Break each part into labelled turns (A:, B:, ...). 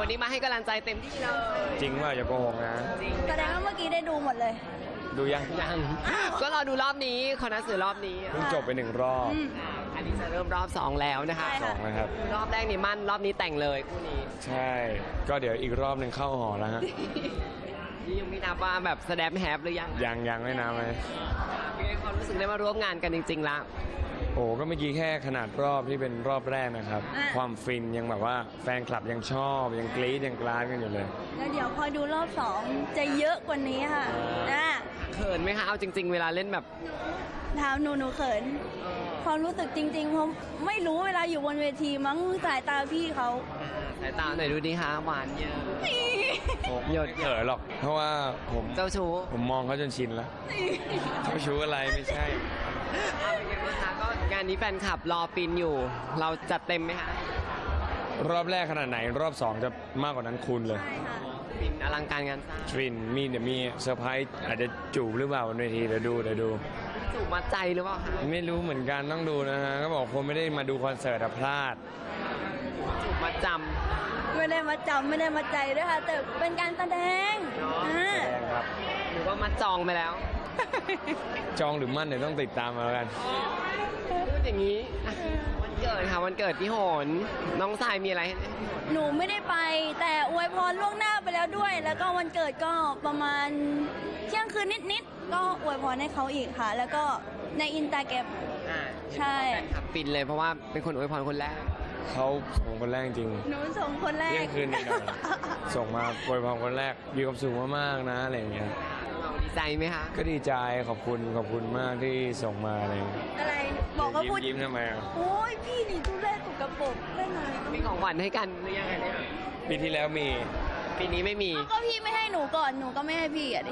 A: วันนี้มาให้กำลังใจเต็มที่เลย
B: จริงว่าอย่าโกหกนะ
A: จริง
C: แสดงว่าเมื่อกี้ได้ดูหมดเลย
B: ดูยัง
A: ยังก็รอดูรอบนี้คณะสื่อรอบนี้
B: เพิ่งจบไป1 รอบ
A: อันนี้จะเริ่มรอบ 2 แล้วนะคะ
C: ใช่
B: สองนะครับ
A: รอบแรกนี่มั่นรอบนี้แต่งเลยคู่นี้
B: ใช่ ก็เดี๋ยวอีกรอบหนึ่งเข้าหอแล้วฮะ
A: นี่ยังไม่นับว่าแบบแสดงแฮปหรือยัง
B: ยังไม่นานเลย
A: เป็นไงความรู้สึกได้มาร่วมงานกันจริงๆละ
B: โอ้ก็เมื่อกี้แค่ขนาดรอบที่เป็นรอบแรกนะครับ ความฟินยังแบบว่าแฟนคลับยังชอบยังกรี๊ดยังกราดกันอยู่เลย
C: แล้วเดี๋ยวคอยดูรอบ2จะเยอะกว่านี้ค่ะนะ
A: เขินไหมคะเอาจริง ๆ เวลาเล่นแบบ
C: ถามหนูเขิน ความรู้สึกจริงๆผมไม่รู้เวลาอยู่บนเวทีมั้งสายตาพี่เขา
A: สายตาหน่อยดูดิคะหวานเยอะ
B: ผมหยดเขินหรอก เพราะว่าผม
A: เจ้าชู้
B: ผมมองเขาจนชินแล้วเจ้าชู้อะไรไม่ใช่
A: เอาเป็นไงบ้างคะก็งานนี้แฟนคลับรอปินอยู่ เราจัดเต็มไหมคะ
B: รอบแรกขนาดไหนรอบ 2 จะมากกว่านั้นคูณเลย
C: ใช่ค่ะ
A: ปินอลังการงานสร้าง
B: ฟินเดี๋ยวมีเซอร์ไพรส์อาจจะจูบหรือเปล่าบนเวทีเดี๋ยวดู
A: จูบมัดใจหรือเปล่าคะ
B: ไม่รู้เหมือนกันต้องดูนะฮะก็บอกคนไม่ได้มาดูคอนเสิร์ตอะพลาด
A: จูบมัดจ
C: ไม่ได้มาจำไม่ได้มาใจด้วยค่ะ แต่เป็นการแสดงอ่า
B: แสดงครับ
A: ำหรือว่ามัดจองไปแล้ว
B: จองหรือมั่นเดี๋ยวต้องติดตามมาแล้วกัน
A: พูดอย่างนี้อ่ะวันเกิดค่ะวันเกิดพี่โหนน้องทรายมีอะไรให้พี่โหน
C: หนูไม่ได้ไป แต่อวยพรล่วงหน้าไปแล้วด้วย แล้วก็วันเกิดก็ประมาณเที่ยงคืนนิดๆก็อวยพรให้เขาอีกค่ะ แล้วก็ในอินสตาแกรม
A: อ่า
C: ใช่
A: แฟนคลับปินเลยเพราะว่าเป็นคนอวยพรคนแรก
B: เขาส่งคนแรกจริง
C: หนูส่งคนแร
B: เที่ย
C: ก
B: งคืนหน่อยๆส่งมาโวยพรคนแรกมีความสุขมากๆนะอะไรอย่างเงี้ย
A: เราดีใจไหมคะ
B: ก็ดีใจขอบคุณมากที่ส่งมาอะไรอย่างเงี้ย
C: อะไรบอกว่าพูด
B: ยิ้มทำไมอ่ะ
C: โอ้ยพี่นี่ทุเรศสกปรกได้ไง
A: มีของขวัญให้กันหรือยังไงเนี่ย
B: ปีที่แล้วมี
A: ปีนี้ไม่มี
C: ก็พี่ไม่ให้หนูก่อนหนูก็ไม่ให้พี่อ่ะดิ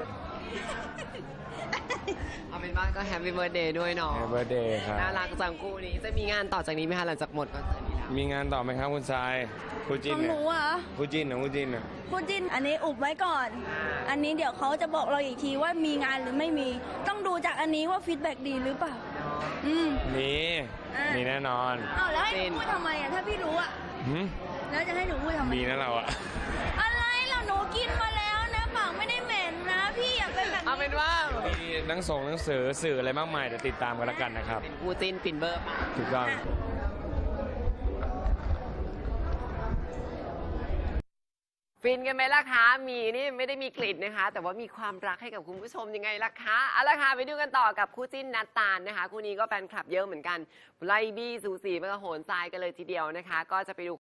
A: เอาเป็นว่าก็แฮปปี้เบิร์ดเดย์ด้วยเนาะ
B: แฮปปี้เบิร์ดเดย์ครับ
A: น่ารักจังคู่นี้จะมีงานต่อจากนี้ไหมคะหลังจากหมดคอนเสิร์ตนี้แล้ว
B: มีงานต่อไหมครับคุณทรายคู่
C: ข
B: จิ้น
C: องห
B: เนี่ย
C: นูอ่ะ
B: คู่จิ้นของคู่จิ้นอ่ะ
C: พูดจินอันนี้อุบไว้ก่อน อันนี้เดี๋ยวเขาจะบอกเราอีกทีว่ามีงานหรือไม่มี ต้องดูจากอันนี้ว่าฟีดแบ็กดีหรือเปล่า อืม
B: มี
C: อ่ะ
B: มีแน่นอน
C: เอาแล้วให้หนูพูดทำไมอ่ะถ้าพี่รู้อ่ะ
B: หืม
C: แล้วจะให้หนูพูดทำไม
B: มีนะเราอ่ะ
C: อะไรเราหนูกินมาแล้วนะปากไม่ได้เหม็นนะ พี่อย่าเป็นแบบ
A: เอาเป็นว่า
B: มีหนังส่งหนังสือสื่ออะไรมากมายเดี๋ยวติดตามกันแล้วกันนะครับ
A: เป็นคู่จิ้นปินเบิร์มา
B: ถูกต้อง
A: ฟินกันไหมล่ะคะมีนี่ไม่ได้มีกลิ่นนะคะ แต่ว่ามีความรักให้กับคุณผู้ชมยังไงล่ะคะเอาละค่ะไปดูกันต่อกับคู่จิ้นนัตตาลนะคะคู่นี้ก็แฟนคลับเยอะเหมือนกันไล่บี้สูสีไปกับโหนทรายกันเลยทีเดียวนะคะ ก็จะไปดู